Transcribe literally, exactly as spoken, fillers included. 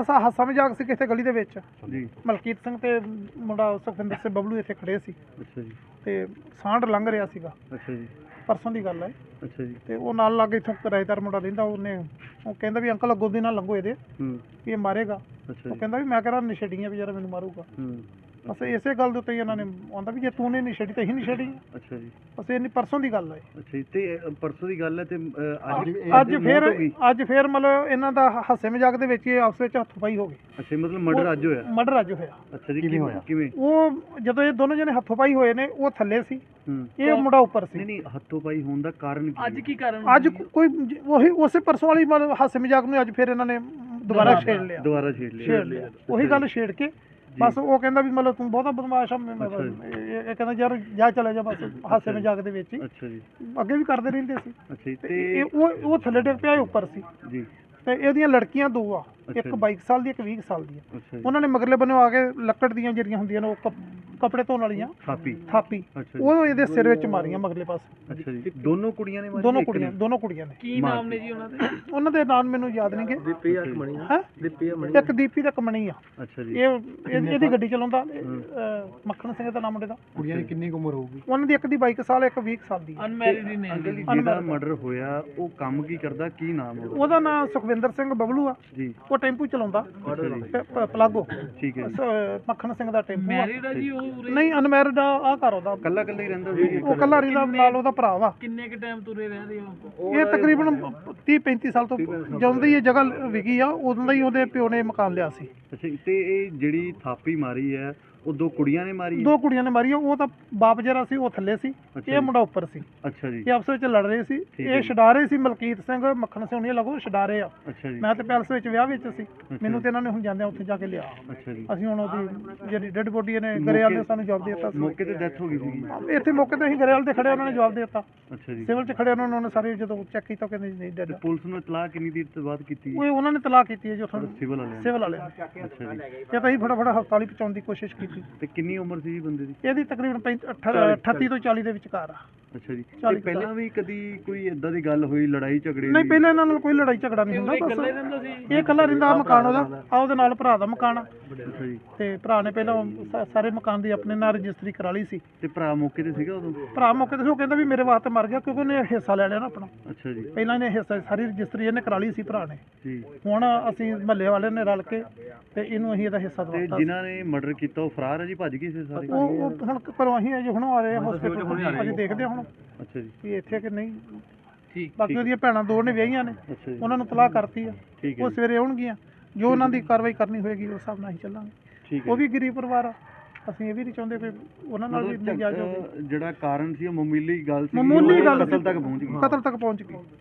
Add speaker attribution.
Speaker 1: ਬਸ ਆਹ ਹਾਸਾ ਮਜ਼ਾਕ ਸੀ ਕਿਸੇ ਗਲੀ ਦੇ ਵਿੱਚ
Speaker 2: ਜੀ
Speaker 1: ਮਲਕੀਤ ਸਿੰਘ ਤੇ ਮੁੰਡਾ ਸੁਖਵਿੰਦਰ ਸਿੰਘ ਬਬਲੂ ਇੱਥੇ ਖੜੇ ਸੀ
Speaker 2: ਅੱਛਾ ਜੀ
Speaker 1: ਤੇ ਸਾਂਢ ਲੰਘ ਰਿਹਾ ਸੀਗਾ
Speaker 2: ਅੱਛਾ ਜੀ
Speaker 1: ਪਰਸੋਂ ਦੀ ਗੱਲ ਹੈ
Speaker 2: ਅੱਛਾ ਜੀ
Speaker 1: ਤੇ ਉਹ ਨਾਲ ਲੱਗ ਇੱਥੋਂ ਕਿਰਾਏਦਾਰ ਮੁੰਡਾ ਰਹਿੰਦਾ ਉਹਨੇ ਉਹ ਕਹਿੰਦਾ ਵੀ ਅੰਕਲ ਅੱਗੋਂ ਦੀ ਨਾਲ ਲੰਘੋ ਇਹਦੇ
Speaker 2: ਹੂੰ
Speaker 1: ਵੀ ਇਹ ਮਾਰੇਗਾ
Speaker 2: ਅੱਛਾ
Speaker 1: ਉਹ
Speaker 2: ਜੀ
Speaker 1: ਕਹਿੰਦਾ ਵੀ ਮੈਂ ਕਿਹੜਾ ਨਸ਼ੇੜੀਆਂ ਵੀ ਯਾਰ ਮੈਨੂੰ ਮਾਰੂਗਾ
Speaker 2: ਹੂੰ
Speaker 1: ਬਸ ਇਸੇ ਗੱਲ ਦੇ ਉੱਤੇ ਹੀ ਇਹਨਾਂ ਨੇ ਆਉਂਦਾ ਵੀ ਜੇ ਤੂੰ ਨੇ ਨਸ਼ੇੜੀ ਤਾਂ ਹੀ ਨਸ਼ੇੜੀ
Speaker 2: ਅੱਛਾ ਜੀ
Speaker 1: ਬਸ ਇਹ ਨਹੀਂ ਪਰਸੋਂ ਦੀ ਗੱਲ ਹੈ
Speaker 2: ਅੱਛਾ ਜੀ ਤੇ ਅ, ਪਰਸੋਂ ਦੀ ਗੱਲ ਹੈ ਤੇ ਅ, ਅੱਜ
Speaker 1: ਅੱਜ ਫਿਰ ਅੱਜ ਫਿਰ ਮਤਲਬ ਇਹਨਾਂ ਦਾ ਹਾਸੇ ਮਜ਼ਾਕ ਦੇ ਵਿੱਚ ਇਹ ਆਪਸ ਵਿੱਚ ਹੱਥੋਂ-ਪਾਈ ਹੋ ਗਈ
Speaker 2: ਅੱਛਾ ਜੀ, ਮਤਲਬ ਮਰਡਰ ਅੱਜ ਹੋਇਆ
Speaker 1: ਮਰਡਰ ਅੱਜ ਹੋਇਆ
Speaker 2: ਅੱਛਾ ਜੀ ਕਿਵੇਂ ਹੋਇਆ ਕਿਵੇਂ
Speaker 1: ਉਹ ਜਦੋਂ ਇਹ ਦੋਨੋਂ ਜਣੇ ਹੱਥੋਂ-ਪਾਈ ਹੋਏ ਨੇ ਉਹ ਥੱਲੇ ਸੀ
Speaker 2: ਹੂੰ
Speaker 1: ਇਹ ਮੁੰਡਾ ਉੱਪਰ ਸੀ
Speaker 2: ਨਹੀਂ ਨਹੀਂ ਹੱਥੋਂ ਪਾਈ ਹੋਣ ਦਾ ਕਾਰਨ ਕੀ
Speaker 3: ਅੱਜ ਕੀ ਕਾਰਨ
Speaker 1: ਅੱਜ ਕੋਈ ਜ- ਉਹੀ ਉਸੇ ਪਰਸੋਂ ਵਾਲੀ ਮਤਲਬ ਹਾਸੇ ਮਜ਼ਾਕ ਨੂੰ ਅੱਜ ਫਿਰ ਇਹਨਾਂ ਨੇ ਦੁਬਾਰਾ ਛੇੜ ਲਿਆ
Speaker 2: ਦੁਬਾਰਾ ਛੇੜ ਲਿਆ
Speaker 1: ਛੇੜ ਲਿਆ ਉਹੀ ਗੱਲ ਛੇੜ ਕੇ ਬਸ ਉਹ ਕਹਿੰਦਾ ਵੀ ਮਤਲਬ ਤੂੰ ਬਹੁਤਾ ਬਦਮਾਸ਼ ਆ ਮੈਂ- ਮੈਂ- ਇਹ ਇਹ ਕਹਿੰਦਾ ਯਾਰ ਜਾ ਚਲੇ ਜਾ ਬਸ ਹਾਸੇ ਮਜ਼ਾਕ ਦੇ ਵਿੱਚ ਹੀ
Speaker 2: ਅੱਛਾ ਜੀ
Speaker 1: ਅੱਗੇ ਵੀ ਕਰਦੇ ਰਹਿੰਦੇ ਸੀ
Speaker 2: ਅੱਛਾ ਜੀ
Speaker 1: ਤੇ
Speaker 2: ਤੇ
Speaker 1: ਇਹ ਉਹ ਉਹ ਥੱਲੇ ਡਿੱਗ ਪਿਆ ਇਹ ਉੱਪਰ ਸੀ
Speaker 2: ਜੀ
Speaker 1: ਤੇ ਇਹਦੀਆਂ ਲੜਕੀਆਂ ਦੋ ਆ
Speaker 2: ਅੱਛਾ
Speaker 1: ਇੱਕ
Speaker 2: ਜੀ।
Speaker 1: ਬਾਈ ਸਾਲ ਦੀ ਇੱਕ ਵੀਹ ਸਾਲ ਦੀ ਆ
Speaker 2: ਅੱਛਾ ਜੀ
Speaker 1: ਉਹਨਾਂ ਨੇ ਮਗਰਲੇ ਬੰਨੋਂ ਆ ਕੇ ਲੱਕੜ ਦੀਆਂ ਜਿਹੜੀਆਂ ਹੁੰਦੀਆਂ ਨੇ ਉਹ ਕੱਪ- ਕੱਪੜੇ ਧੋਣ ਵਾਲੀਆਂ
Speaker 2: ਥਾਪੀ
Speaker 1: ਥਾਪੀ
Speaker 2: ਅੱਛਾ ਜੀ
Speaker 1: ਉਹ ਇਹਦੇ ਸਿਰ ਵਿੱਚ ਮਾਰੀਆਂ ਮਗਰਲੇ ਪਾਸੇ
Speaker 2: ਅੱਛਾ ਜੀ ਦੋਨੋਂ ਕੁੜੀਆਂ ਨੇ ਮਾਰੀ
Speaker 1: ਦੋਨੋਂ
Speaker 2: ਇੱਕ
Speaker 1: ਕੁੜੀਆਂ
Speaker 2: ਨੇ?
Speaker 1: ਦੋਨੋਂ ਕੁੜੀਆਂ ਨੇ
Speaker 3: ਕੀ ਨਾਮ ਨੇ ਜੀ ਉਹਨਾਂ ਦੇ
Speaker 1: ਉਹਨਾਂ ਦੇ ਨਾਮ ਮੈਨੂੰ ਯਾਦ ਨਹੀਂਗੇ
Speaker 2: ਦੀਪੀ ਅਕਮਣੀ
Speaker 1: ਹੈ
Speaker 3: ਦੀਪੀ
Speaker 1: ਇੱਕ ਦੀਪੀ ਤੇ ਕਮਣੀ ਆ
Speaker 2: ਅੱਛਾ ਜੀ
Speaker 1: ਇਹ ਇਹ- ਇਹਦੀ ਗੱਡੀ ਚਲਾਉਂਦਾ ਅਹ, ਮੱਖਣ ਸਿੰਘ ਦਾ ਨਾਮ ਮੁੰਡੇ ਦਾ
Speaker 2: ਕੁੜੀਆਂ ਦੀ ਕਿੰਨੀ ਉਮਰ ਹੋਊਗੀ
Speaker 1: ਉਹਨਾਂ ਦੀ ਇੱਕ ਦੀ ਬਾਈ ਕੁ ਸਾਲ ਇੱਕ ਵੀਹ ਕੁ ਸਾਲ ਦੀ ਆ
Speaker 3: ਅਨਮੈਰਿਡ ਨੇ
Speaker 2: ਅੰਕਲ ਜੀ ਜਿਹੜਾ ਮਰਡਰ ਹੋਇਆ ਉਹ ਕੰਮ ਕੀ ਕਰਦਾ ਕੀ ਨਾਮ ਉਹਦਾ
Speaker 1: ਉਹਦਾ ਨਾਮ ਸੁਖਵਿੰਦਰ ਸਿੰਘ ਬਬਲੂ ਆ
Speaker 2: ਜੀ
Speaker 1: ਉਹ ਟੈਂਪੂ ਚਲਾਉਂਦਾ
Speaker 2: ਅੱਛਾ ਜੀ
Speaker 1: ਪ- ਪ- ਪਲਾਗੋ
Speaker 2: ਠੀਕ ਹੈ ਜੀ
Speaker 1: ਸ- ਮੱਖਣ ਸਿੰਘ ਦਾ ਟੈਂਪੂ ਆ
Speaker 3: ਮੈਰਿਡ ਆ ਜੀ ਉਹ ਉਰੇ?
Speaker 1: ਨਹੀਂ ਅਨਮੈਰਿਡ ਆ ਆਹ ਘਰ ਉਹਦਾ
Speaker 2: ਕੱਲਾ ਕੱਲਾ ਹੀ ਰਹਿੰਦਾ ਸੀ
Speaker 1: ਉਹ ਕੱਲਾ ਰੀਦਾ ਨਾਲ ਉਹਦਾ ਭਰਾ ਵਾ
Speaker 3: ਕਿੰਨੇ ਕ ਟਾਈਮ ਤੁਰੇ ਰਹਿੰਦੇ ਹੋ
Speaker 1: ਇਹ ਤਕਰੀਬਨ ਤੀਹ ਪੈਂਤੀ ਸਾਲ ਤੋਂ ਜਦੋਂ ਦੀ ਇਹ ਜਗ੍ਹਾ ਵਿਕੀ ਆ ਉਦੋਂ ਦਾ ਹੀ ਉਹਦੇ ਪਿਓ ਨੇ ਮਕਾਨ ਲਿਆ ਸੀ
Speaker 2: ਅੱਛਾ ਜੀ, ਤੇ ਇਹ ਜਿਹੜੀ ਥਾਪੀ ਮਾਰੀ ਹੈ ਉਹ ਦੋ ਕੁੜੀਆਂ ਨੇ ਮਾਰੀ ਹੈ
Speaker 1: ਦੋ ਕੁੜੀਆਂ ਨੇ ਮਾਰੀਆਂ ਉਹ ਤਾਂ ਬਾਪ ਜਿਹੜਾ ਸੀ ਉਹ ਥੱਲੇ ਸੀ
Speaker 2: ਅੱਛਾ
Speaker 1: ਇਹ ਮੁੰਡਾ ਉੱਪਰ ਸੀ
Speaker 2: ਅੱਛਾ ਜੀ
Speaker 1: ਇਹ ਆਪਸ ਵਿੱਚ ਲੜ ਰਹੇ ਸੀ
Speaker 2: ਠੀਕ ਹੈ
Speaker 1: ਇਹ
Speaker 2: ਜੀ।
Speaker 1: ਛਡਾ ਰਹੇ ਸੀ ਮਲਕੀਤ ਸਿੰਘ ਮੱਖਣ ਸਿੰਘ ਉਹਨੇ ਲੱਗੋ ਛਡਾ ਰਹੇ ਆ
Speaker 2: ਅੱਛਾ ਜੀ
Speaker 1: ਮੈਂ ਤੇ ਪੈਲਸ ਵਿੱਚ ਵਿਆਹ ਵਿੱਚ ਸੀ ਮੈਨੂੰ ਤੇ ਇਹਨਾਂ ਨੇ ਹੁਣ ਜਾਂਦਿਆਂ ਉੱਥੇ ਜਾ ਕੇ ਲਿਆ
Speaker 2: ਅੱਛਾ ਜੀ
Speaker 1: ਅਸੀਂ ਹੁਣ ਉਹਦੀ ਜਿਹੜੀ ਡੈਡ ਬੋਡੀ ਇਹਨੇ ਗਰੇਵਾਲ ਨੇ ਸਾਨੂੰ ਜਵਾਬ ਦੇ ਦਿੱਤਾ ਸੀ
Speaker 2: ਮੌਕੇ ਤੇ ਡੈਥ ਹੋ ਗਈ ਸੀਗੀ
Speaker 1: ਇੱਥੇ ਮੌਕੇ ਤੇ ਅਸੀਂ ਗਰੇਵਾਲ ਦੇ ਖੜੇ ਉਹਨਾਂ ਨੇ ਜਵਾਬ ਦੇ ਦਿੱਤਾ
Speaker 2: ਅੱਛਾ ਜੀ
Speaker 1: ਸਿਵਲ 'ਚ ਖੜੇ ਉਹਨਾਂ ਨੇ ਸਾਰੇ ਜਦੋਂ ਚੈੱਕ ਕੀਤਾ ਉਹ ਕਹਿੰਦੇ ਜੀ ਨਹੀਂ ਡੈਡ
Speaker 2: ਤੇ ਪੁਲਿਸ ਨੂੰ ਇਤਲਾਹ ਕਿੰਨੀ ਦੇਰ ਤੋਂ ਬਾਅਦ ਕੀਤੀ
Speaker 1: ਉਹ ਉਹਨਾਂ ਨੇ ਤਲਾਕ ਕੀਤੀ ਹੈ ਜੋ ਤੁਹਾਨੂੰ
Speaker 2: ਸਿਵਲ ਵਾਲਿਆਂ ਨੇ
Speaker 1: ਸਿਵਲ ਵਾਲੇ ਨੇ।
Speaker 2: ਅੱਛਾ ਜੀ
Speaker 1: ਇਹ ਤਾਂ ਅਸੀਂ ਫਟਾਫਟ ਹਸਪਤਾਲ ਹੀ ਪਹੁੰਚਾਉਣ ਦੀ ਕੋਸ਼ਿਸ਼ ਕੀਤੀ
Speaker 2: ਤੇ ਕਿੰਨੀ ਉਮਰ ਸੀ ਜੀ ਬੰਦੇ ਦੀ
Speaker 1: ਇਹਦੀ ਤਕਰੀਬਨ ਪੈਂਤੀ- ਅਠ- ਅਠੱਤੀ ਤੋਂ ਚਾਲੀ ਦੇ ਵਿਚਕਾਰ ਆ
Speaker 2: ਅੱਛਾ ਜੀ
Speaker 1: ਚਾਲੀ
Speaker 2: ਤੇ ਪਹਿਲਾਂ ਵੀ ਕਦੀ ਕੋਈ ਇਦਾਂ ਦੀ ਗੱਲ ਹੋਈ ਲੜਾਈ ਝਗੜੇ
Speaker 1: ਨਹੀਂ
Speaker 2: ਦੀ?
Speaker 1: ਪਹਿਲਾਂ ਇਹਨਾਂ ਨਾਲ ਕੋਈ ਲੜਾਈ ਝਗੜਾ ਨਹੀਂ ਹੁੰਦਾ
Speaker 3: ਇਕੱਲੇ
Speaker 1: ਬਸ
Speaker 3: ਰਹਿੰਦਾ ਸੀ
Speaker 1: ਇਹ ਇਕੱਲਾ ਰਹਿੰਦਾ ਆਹ ਮਕਾਨ ਉਹਦਾ ਆ ਉਹਦੇ ਨਾਲ ਭਰਾ ਦਾ ਮਕਾਨ ਆ
Speaker 2: ਅੱਛਾ ਜੀ
Speaker 1: ਤੇ ਭਰਾ ਨੇ ਪਹਿਲਾਂ ਸਾ- ਸਾਰੇ ਮਕਾਨ ਦੀ ਆਪਣੇ ਨਾਲ ਰਜਿਸਟਰੀ ਕਰਾ ਲਈ ਸੀ
Speaker 2: ਤੇ ਭਰਾ ਮੌਕੇ ਤੇ ਸੀਗਾ ਉਦੋਂ
Speaker 1: ਭਰਾ ਮੌਕੇ ਤੇ ਸੀ, ਉਹ ਕਹਿੰਦਾ ਵੀ ਮੇਰੇ ਵਾਸਤੇ ਮਰ ਗਿਆ ਕਿਉਂਕਿ ਉਹਨੇ ਹਿੱਸਾ ਲੈ ਲਿਆ ਨਾ ਆਪਣਾ
Speaker 2: ਅੱਛਾ ਜੀ
Speaker 1: ਪਹਿਲਾਂ ਇਹਨੇ ਹਿੱਸਾ ਸਾਰੀ ਰਜਿਸਟਰੀ ਇਹਨੇ ਕਰਾ ਲਈ ਸੀ ਭਰਾ ਨੇ
Speaker 2: ਜੀ
Speaker 1: ਹੁਣ ਅਸੀਂ ਮਹੱਲੇ ਵਾਲੇ ਨੇ ਰਲ ਕੇ ਤੇ ਇਹਨੂੰ ਅਸੀਂ ਇਹਦਾ ਹਿੱਸਾ
Speaker 2: ਤੇ
Speaker 1: ਦਵਾਤਾ
Speaker 2: ਜਿਨ੍ਹਾਂ ਨੇ ਮਰਡਰ ਕੀਤਾ ਉਹ ਫਰਾਰ ਹੈ ਜੀ ਭੱਜ ਗਏ ਸੀ ਸਾਰੇ
Speaker 1: ਉਹ ਉਹ ਹੁਣ ਘਰੋਂ ਅਸੀਂ ਅਜੇ ਹੁਣ ਆ ਰਹੇ ਹਸਪੀਟਲ ਅਜੇ ਦੇਖਦੇ ਹਾਂ ਹੁਣ
Speaker 2: ਅੱਛਾ ਜੀ
Speaker 1: ਵੀ ਇੱਥੇ ਕਿ ਨਹੀਂ
Speaker 3: ਠੀਕ
Speaker 1: ਬਾਕੀ ਉਹਦੀਆਂ ਭੈਣਾਂ ਦੋ ਨੇ ਵਿਆਹੀਆਂ ਨੇ
Speaker 2: ਅੱਛਾ ਜੀ
Speaker 1: ਉਹਨਾਂ ਨੂੰ ਤਲਾਕ ਕਰਤੀ ਆ
Speaker 2: ਠੀਕ ਹੈ
Speaker 1: ਉਹ
Speaker 2: ਜੀ,
Speaker 1: ਸਵੇਰੇ ਆਉਣਗੀਆਂ ਜੋ ਉਹਨਾਂ ਦੀ ਕਾਰਵਾਈ ਕਰਨੀ ਹੋਏਗੀ ਉਸ ਹਿਸਾਬ ਨਾਲ ਅਸੀਂ ਚੱਲਾਂਗੇ
Speaker 2: ਠੀਕ ਹੈ
Speaker 1: ਉਹ ਵੀ ਗਰੀਬ ਪਰਿਵਾਰ ਆ ਅਸੀਂ ਇਹ ਵੀ ਨਹੀਂ ਚਾਹੁੰਦੇ ਕਿ ਉਹਨਾਂ ਨਾਲ ਵੀ
Speaker 2: ਮਤਲਬ
Speaker 1: ਨਹੀਂ ਜਾ
Speaker 2: ਝਗ- ਅਹ ਜਿਹੜਾ ਕਾਰਨ ਸੀ ਉਹ ਮਾਮੂਲੀ ਗੱਲ ਸੀ
Speaker 1: ਮਾਮੂਲੀ ਗੱਲ ਸੀ।
Speaker 2: ਕਤਲ ਤੱਕ ਪਹੁੰਚ ਗਈ
Speaker 1: ਕਤਲ ਤੱਕ ਪਹੁੰਚ ਗਈ